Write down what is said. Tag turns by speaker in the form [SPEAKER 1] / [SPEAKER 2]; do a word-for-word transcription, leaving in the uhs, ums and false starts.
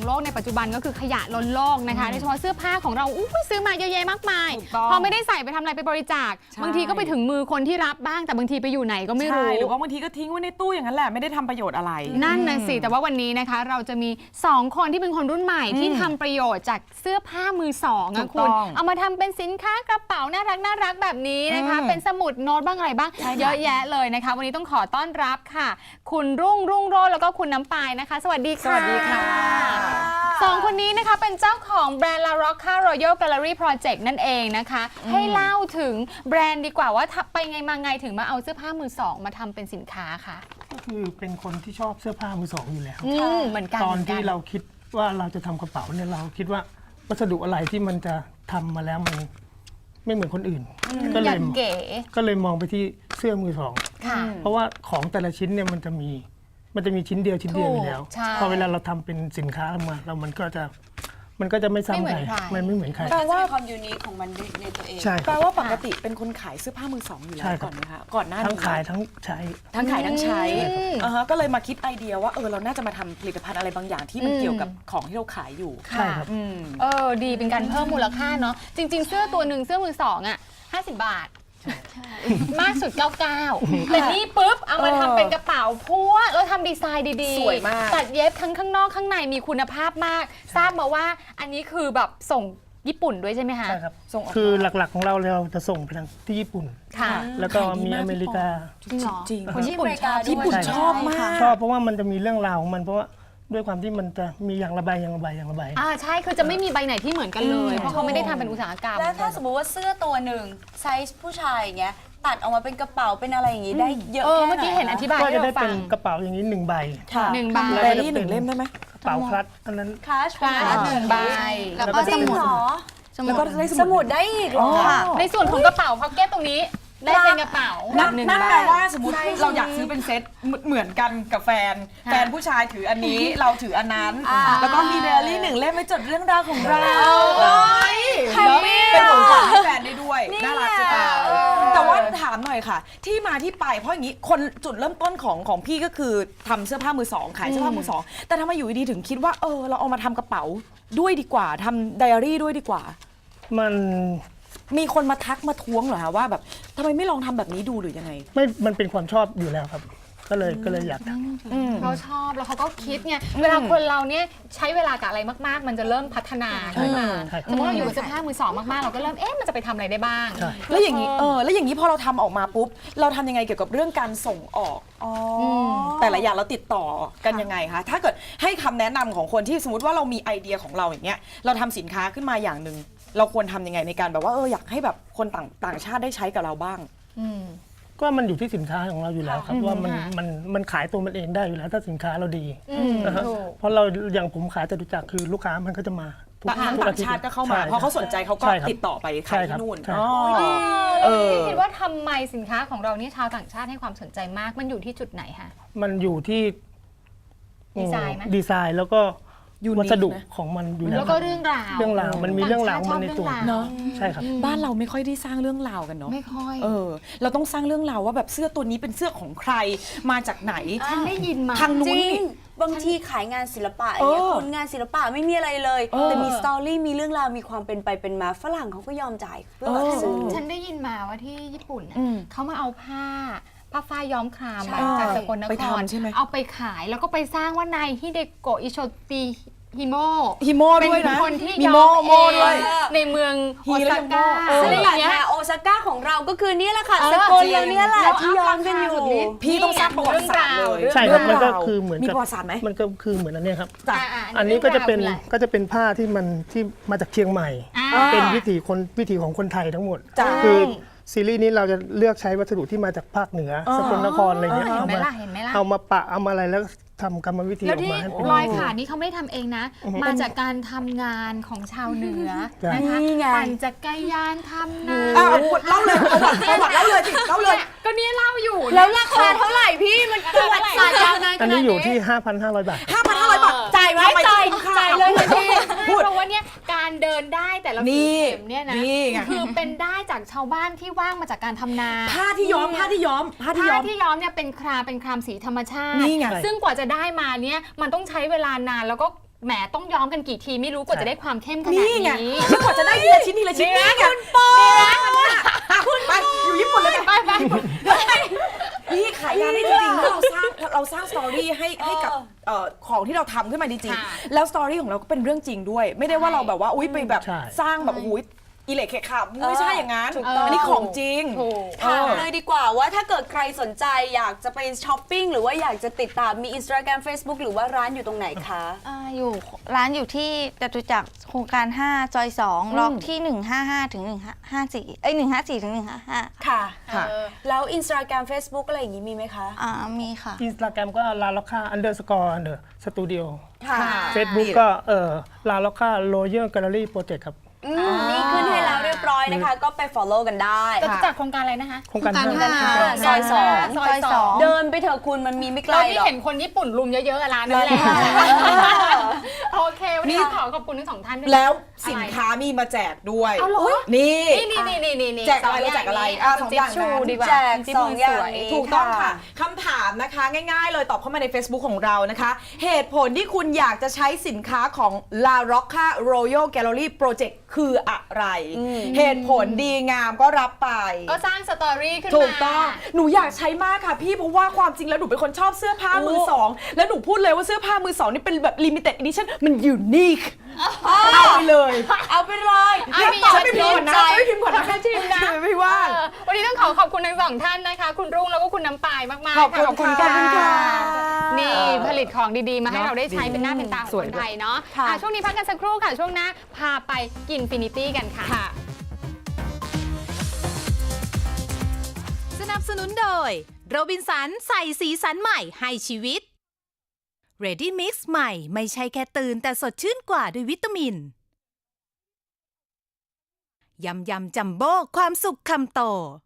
[SPEAKER 1] โลกในปัจจุบันก็คือขยะล้นโลกนะคะโดยเฉพาะเสื้อผ้าของเราอุ้ยซื้อมาเยอะแยะมากมายพอไม่ได้ใส่ไปทำอะไรไปบริจาคบางทีก็ไปถึงมือคนที่รับบ้างแต่บางทีไปอยู่ไหนก็ไม่รู้
[SPEAKER 2] หรือว่าบางทีก็ทิ้งไว้ในตู้อย่างนั้นแหละไม่ได้ทำประโยชน์อะไร
[SPEAKER 1] นั่นน่ะสิแต่ว่าวันนี้นะคะเราจะมีสองคนที่เป็นคนรุ่นใหม่ที่ทำประโยชน์จากเสื้อผ้ามือสองอะคุณเอามาทำเป็นสินค้ากระเป๋าน่ารักน่ารักแบบนี้นะคะเป็นสมุดโน้ตบ้างอะไรบ้างเยอะแยะเลยนะคะวันนี้ต้องขอต้อนรับค่ะคุณรุ่งรุ่งโรจน์แล้วก็คุณน้ำปายนะคะสวัสดีค่ะ
[SPEAKER 2] สวัสดีค่ะ
[SPEAKER 1] สองคนนี้นะคะเป็นเจ้าของแบรนด์ La Rocca Royal Gallery Project นั่นเองนะคะให้เล่าถึงแบรนด์ดีกว่าว่าไปไงมาไงถึงมาเอาเสื้อผ้ามือสองมาทำเป็นสินค้าค่ะ
[SPEAKER 3] ก็คือเป็นคนที่ชอบเสื้อผ้ามือสองอยู่แล้ว
[SPEAKER 1] เหมือนกัน
[SPEAKER 3] ตอนที่เราคิดว่าเราจะทำกระเป๋าเนี่ยเราคิดว่าวัสดุอะไรที่มันจะทำมาแล้วมันไม่เหมือนคนอื่นก็เลยก็เลยมองไปที่เสื้อมือสองเพราะว่าของแต่ละชิ้นเนี่ยมันจะมีมันจะมีชิ้นเดียวชิ้นเดียวอยู่แล้วพอเวลาเราทำเป็นสินค้าออกมาเรามันก็จะมันก็จะไม่ซ้ำใครมันไม่เหมือนใคร
[SPEAKER 4] แปลว่าความยูนิคของมันในตัวเอง
[SPEAKER 2] แปลว่าปกติเป็นคนขายเสื้อผ้ามือสองอยู่แล้วก่อนนะคะก่อนหน้านี้
[SPEAKER 3] ทั้งขายทั้งใช้
[SPEAKER 2] ทั้งขายทั้งใช้ก็เลยมาคิดไอเดียว่าเออเราน่าจะมาทำผลิตภัณฑ์อะไรบางอย่างที่มันเกี่ยวกับของที่เราขายอยู่
[SPEAKER 3] ใช่ครับ
[SPEAKER 1] เออดีเป็นการเพิ่มมูลค่าเนาะจริงๆเสื้อตัวหนึ่งเสื้อมือสองอ่ะห้าสิบบาทมากสุดเก้าสิบเก้าแต่นี่ปุ๊บเอามาทำเป็นกระเป๋าพัวแล้วทำดีไซน์ดีๆ
[SPEAKER 2] สวยมาก
[SPEAKER 1] ตัดเย็บทั้งข้างนอกข้างในมีคุณภาพมากทราบมาว่าอันนี้คือแบบส่งญี่ปุ่นด้วยใช่ไหมคะ
[SPEAKER 3] ใช่ครับคือหลักๆของเราเราจะส่งไปทางที่ญี่ปุ่นแล้วก็มีอเมริกา
[SPEAKER 1] จริงเหรอ
[SPEAKER 2] จริง
[SPEAKER 1] คนญี่ปุ่นชอบ
[SPEAKER 2] ญี่ปุ่นชอบมาก
[SPEAKER 3] ชอบเพราะว่ามันจะมีเรื่องราวของมันเพราะว่าด้วยความที่มันจะมีอย่างระบายอย่างระบายอย่างระบาย
[SPEAKER 1] อ่าใช่คือจะไม่มีใบไหนที่เหมือนกันเลยเพราะเขาไม่ได้ทำเป็นอุตสาหกรรม
[SPEAKER 4] แล้วถ้าสมมติว่าเสื้อตัวหนึ่งไซส์ผู้ชายอย่างเงี้ยตัดออกมาเป็นกระเป๋าเป็นอะไรอย่างงี้ได้เยอะแค่ไหน
[SPEAKER 1] เมื่อกี้เห็นอธิบาย
[SPEAKER 3] ก็จะได้เป็นกระเป๋าอย่างนี้หนึ่งใบ
[SPEAKER 1] หนึ่งใบ
[SPEAKER 2] แบรี่หนึ่งเล่มได้ไหม
[SPEAKER 3] กระเป๋าคลัตอันนั้น
[SPEAKER 4] คลัต
[SPEAKER 1] คลัตหนึ่งใบ
[SPEAKER 4] แล้วก็สมุด
[SPEAKER 2] แล้วก็ได้
[SPEAKER 4] สมุดได้อีกเหรอ
[SPEAKER 1] ในส่วนของกระเป๋าพ็อกเก็ตตรงนี้ได้เป็นกระเป๋า
[SPEAKER 2] นั่นแปลว่าสมมติเราอยากซื้อเป็นเซตเหมือนกันกับแฟนแฟนผู้ชายถืออันนี้เราถืออันนั้นแล้วก็มีไดอารี่หนึ่งเล่มไว้จดเรื่องราวของเราแล้วเป็นของขวัญให้แฟนได้ด้วยน่ารักจังแต่ว่าถามหน่อยค่ะที่มาที่ไปเพราะอย่างนี้คนจุดเริ่มต้นของของพี่ก็คือทำเสื้อผ้ามือสองขายเสื้อผ้ามือสองแต่ทำไมอยู่ดีถึงคิดว่าเออเราเอามาทำกระเป๋าด้วยดีกว่าทำไดอารี่ด้วยดีกว่า
[SPEAKER 3] มัน
[SPEAKER 2] มีคนมาทักมาท้วงเหรอคะว่าแบบทำไมไม่ลองทำแบบนี้ดูหรือยังไง
[SPEAKER 3] ไม่มันเป็นความชอบอยู่แล้วครับก็เลยก็เลยอยากท
[SPEAKER 1] ำเขาชอบแล้วเขาก็คิดไงเวลาคนเราเนี่ยใช้เวลากับอะไรมากๆมันจะเริ่มพัฒนาขึ้นมาสมมติเราอยู่กับเสื้อผ้ามือสองมากๆเราก็เริ่มเอ๊ะมันจะไปทำอะไรได้บ้าง
[SPEAKER 2] แล้วอย่างนี้เออแล้วอย่างนี้พอเราทำออกมาปุ๊บเราทำยังไงเกี่ยวกับเรื่องการส่งออกแต่ละอย่างเราติดต่อกันยังไงคะถ้าเกิดให้คำแนะนำของคนที่สมมติว่าเรามีไอเดียของเราอย่างเงี้ยเราทำสินค้าขึ้นมาอย่างหนึ่งเราควรทำยังไงในการแบบว่าเอออยากให้แบบคนต่างต่างชาติได้ใช้กับเราบ้าง
[SPEAKER 3] ก็มันอยู่ที่สินค้าของเราอยู่แล้วครับว่ามันมันมันขายตัวมันเองได้อยู่แล้วถ้าสินค้าเราดีเพราะเราอย่างผมขายจตุจักรคือลูกค้ามันก็จะมา
[SPEAKER 2] ต่างชาติก็เข้ามาเพราะเขาสนใจเขาก็ติดต่อไปขายที่นู่น
[SPEAKER 1] คิดว่าทำไมสินค้าของเรานี่ชาวต่างชาติให้ความสนใจมากมันอยู่ที่จุดไหนคะ
[SPEAKER 3] มันอยู่ที่
[SPEAKER 1] ดีไซน์ไหม
[SPEAKER 3] ดีไซน์แล้วก็วัสดุของมันอยู่แล้ว
[SPEAKER 1] แล้วก็เรื่องราว
[SPEAKER 3] เรื่องราวมันมีเรื่องราวมันในตัวเนาะใช่ครับ
[SPEAKER 2] บ้านเราไม่ค่อยได้สร้างเรื่องราวกันเนาะ
[SPEAKER 1] ไม่ค่อย
[SPEAKER 2] เออเราต้องสร้างเรื่องราวว่าแบบเสื้อตัวนี้เป็นเสื้อของใครมาจากไหน
[SPEAKER 1] ฉันได้ยินมา
[SPEAKER 2] ทางนู้น
[SPEAKER 4] บางทีขายงานศิลปะอย่างเงี้ยคนงานศิลปะไม่มีอะไรเลยแต่มีสตอรี่มีเรื่องราวมีความเป็นไปเป็นมาฝรั่งเขาก็ยอมจ่ายเพื่อซื้อ
[SPEAKER 1] ฉันได้ยินมาว่าที่ญี่ปุ่นเขามาเอาผ้าผ้าฝ้ายย้อมครามจากสกลนครเอาไปขายแล้วก็ไปสร้างว่านายฮิเดโกะอิโชติฮิโม
[SPEAKER 2] ฮิโมด้วยนะ
[SPEAKER 1] เป็นคนที่
[SPEAKER 2] ย้อมเอง
[SPEAKER 1] ในเมืองโอซาก้า
[SPEAKER 4] ซึ่งอย่างเงี้ยโอซาก้าของเราก็คือนี่แหละค่ะสกลเราเนี่ยแหละที่ย้อมกันอยู่
[SPEAKER 2] พี่ต้องสร้างประวัติศาสตร์เลย
[SPEAKER 3] ใช่ครับมันก็คือเหมือน
[SPEAKER 2] มีประวัติศาสตร์ไหม
[SPEAKER 3] มันก็คือเหมือนอันนี้ครับอันนี้ก็จะเป็นก็จะเป็นผ้าที่มันที่มาจากเชียงใหม่เป็นวิถีคนวิถีของคนไทยทั้งหมดคือซีรีส์นี้เราจะเลือกใช้วัสดุที่มาจากภาคเหนือสกลนครอะไรเงี้ยเอามาเอามาปะเอามาอะไรแล้วทำกรรมวิธีออกมาให้เป็น
[SPEAKER 1] รอยขาดนี้เขาไม่ทำเองนะมาจากการทำงานของชาวเหนือนะคะปั่นจักรยานทำนา
[SPEAKER 2] เล่าเลยประวัติประวัติเล่าเลยสิเล่าเลย
[SPEAKER 1] ก็นี่เล่าอยู่
[SPEAKER 4] แล้วราคาเท่าไหร่พี่มันประวัติศาสตร์ยาวนานขนาดนี้
[SPEAKER 3] อันนี้อยู่ที่ ห้าพันห้าร้อย บาท
[SPEAKER 2] ห้าพันห้าร้อย บาท
[SPEAKER 4] จ่ายไว้จ่ายจ่ายเลยพี่
[SPEAKER 1] เพราะว่าเนี่ยการเดินได้แต่ละเข็มเนี่ยนะคือเป็นได้จากชาวบ้านที่ว่างมาจากการทำนา
[SPEAKER 2] ผ้าที่ย้อมผ้าที่ย้อม
[SPEAKER 1] ผ้าที่ย้อมที่ย้อมเนี่ยเป็นครามเป็นครามสีธรรมชาติซึ่งกว่าจะได้มาเนี่ยมันต้องใช้เวลานานแล้วก็แหมต้องย้อมกันกี่ทีไม่รู้กว่าจะได้ความเข้มขนาด
[SPEAKER 2] นี่
[SPEAKER 1] นี้
[SPEAKER 2] ไงแล้วกว่าจะได้ทีละชิ้นทีละชิ้นนี่ไงคุณปอคุณไปอยู่ญี่ปุ่นเลย
[SPEAKER 1] ไปไป
[SPEAKER 2] พี่ขายงานได้จริงๆแล้วเราสร้างเราสร้างสตอรี่ให้ให้กับเอ่อของที่เราทำขึ้นมาจริง
[SPEAKER 1] ค่ะ
[SPEAKER 2] ๆแล้วสตอรี่ของเราก็เป็นเรื่องจริงด้วย ไม่ได้ว่าเราแบบว่าอุ้ยไปแบบ
[SPEAKER 3] ใช่
[SPEAKER 2] สร้างแบบอุ้ยอิเล็กเคขาไม่ใช่อย่างนั้น
[SPEAKER 4] ถูกต้อง
[SPEAKER 2] อันนี้ของจริง
[SPEAKER 1] ถูก
[SPEAKER 4] ถามเลยดีกว่าว่าถ้าเกิดใครสนใจอยากจะไปช้อปปิ้งหรือว่าอยากจะติดตามมี Instagram Facebook หรือว่าร้านอยู่ตรงไหนคะ
[SPEAKER 5] อ่าอยู่ร้านอยู่ที่จตุจักรโครงการห้าซอยสองล็อกที่หนึ่งห้าห้าถึงหนึ่งห้าสี่เอ้ยหนึ่งห้าสี่ถึงหนึ่งห้าห้า
[SPEAKER 4] ค่ะ
[SPEAKER 2] ค่ะ
[SPEAKER 4] แล้ว Instagram Facebook อะไรอย่างนี้มีไหมคะ
[SPEAKER 5] อ่ามีค่ะ
[SPEAKER 3] อินสตาแกรมก็ลาล็อกค่าอันเดอร์สกอร์อันเดอร์สตูดิโอ
[SPEAKER 4] ค่ะ
[SPEAKER 3] เฟซบุ๊กก็เอ่อลาล็อกค่าโรเยอร์แกลเลอรี่โปรเจกต์ครับ
[SPEAKER 4] อืมนี่ขึ้นให้แล้วเรียบร้อยนะคะ ก็ไป follow กันได้
[SPEAKER 1] จะจากโครงการอะไรนะคะ
[SPEAKER 3] โครงการ
[SPEAKER 5] โครงการ
[SPEAKER 3] ห้า
[SPEAKER 5] ห้า
[SPEAKER 4] ซอยสอง
[SPEAKER 1] ซอยสอง
[SPEAKER 4] เดินไปเถอะคุณมันมีไม่ไกล
[SPEAKER 1] เรา
[SPEAKER 4] ห
[SPEAKER 1] ที่
[SPEAKER 4] รอก
[SPEAKER 1] เห็นคนญี่ปุ่นรุมเยอะๆอะร้านนั่นแหละ
[SPEAKER 4] ร้านนั้น
[SPEAKER 1] โอเค วันนี้ขอขอบคุณทั้งสองท่านด้วย
[SPEAKER 2] แล้วสินค้ามีมาแจกด้วย
[SPEAKER 1] เอาเหรอ
[SPEAKER 2] นี่
[SPEAKER 1] นี่นี่นี่นี่นี่
[SPEAKER 2] แจกอะไรเราแจกอะไรอ่ะสองอย่าง
[SPEAKER 1] ชู
[SPEAKER 2] นะ
[SPEAKER 1] ดีกว่า
[SPEAKER 4] แจก
[SPEAKER 1] จิ๊บ
[SPEAKER 4] สองอย่าง
[SPEAKER 1] สวย
[SPEAKER 4] นี้
[SPEAKER 2] ถูกต้องค่ะคำถามนะคะง่ายๆเลยตอบเข้ามาใน Facebook ของเรานะคะ เหตุผลที่คุณอยากจะใช้สินค้าของ La Rocca Royal Gallery Project คืออะไร เหตุผลดีงามก็รับไป
[SPEAKER 1] ก็สร้างสตอรี่ขึ้นมา
[SPEAKER 2] ถูกต้อง หนูอยากใช้มากค่ะพี่เพราะว่าความจริงแล้วหนูเป็นคนชอบเสื้อผ้ามือสอง แล้วหนูพูดเลยว่าเสื้อผ้ามือสองนี่เป็นแบบ limited edition มันยูนิคเอาไปเลย
[SPEAKER 4] เอาไปเลย
[SPEAKER 1] อ่ะ
[SPEAKER 4] งั้น
[SPEAKER 1] มี
[SPEAKER 4] ต่อ
[SPEAKER 1] อยาก
[SPEAKER 4] ไป
[SPEAKER 1] จะ
[SPEAKER 4] พิม
[SPEAKER 2] ก่อน
[SPEAKER 4] พ์
[SPEAKER 2] นะ
[SPEAKER 4] ใจ
[SPEAKER 2] ไม่พิมพ์ก่อนนะ
[SPEAKER 1] ชิมนะ
[SPEAKER 2] ไม่ว่าง
[SPEAKER 1] เออวันนี้ต้องขอขอบคุณทั้งสองท่านนะคะ คุณรุ่งแล้วก็คุณน้ำปายมากๆ
[SPEAKER 2] ขอบคุณ
[SPEAKER 1] ขอบคุณ
[SPEAKER 2] ค่ะ
[SPEAKER 1] ค่ะนี่ผลิตของดีๆ มาให้เราได้ใช้เป็นหน้าเป็นตาของ
[SPEAKER 2] ส
[SPEAKER 1] ค
[SPEAKER 2] วย
[SPEAKER 1] น
[SPEAKER 2] ด้วย
[SPEAKER 1] ไทยเนาะ
[SPEAKER 4] ค่ะ
[SPEAKER 1] อ่ะช่วงนี้พักกันสักครู่ค่ะ ช่วงหน้าพาไปกินฟินิตี้กันค่ะ
[SPEAKER 6] สนับสนุนโดยโรบินสันใส่สีสันใหม่ให้ชีวิต Ready Mix ใหม่ไม่ใช่แค่ตื่นแต่สดชื่นกว่าด้วยวิตามิน ยำยำจัมโบ้ความสุขคำโต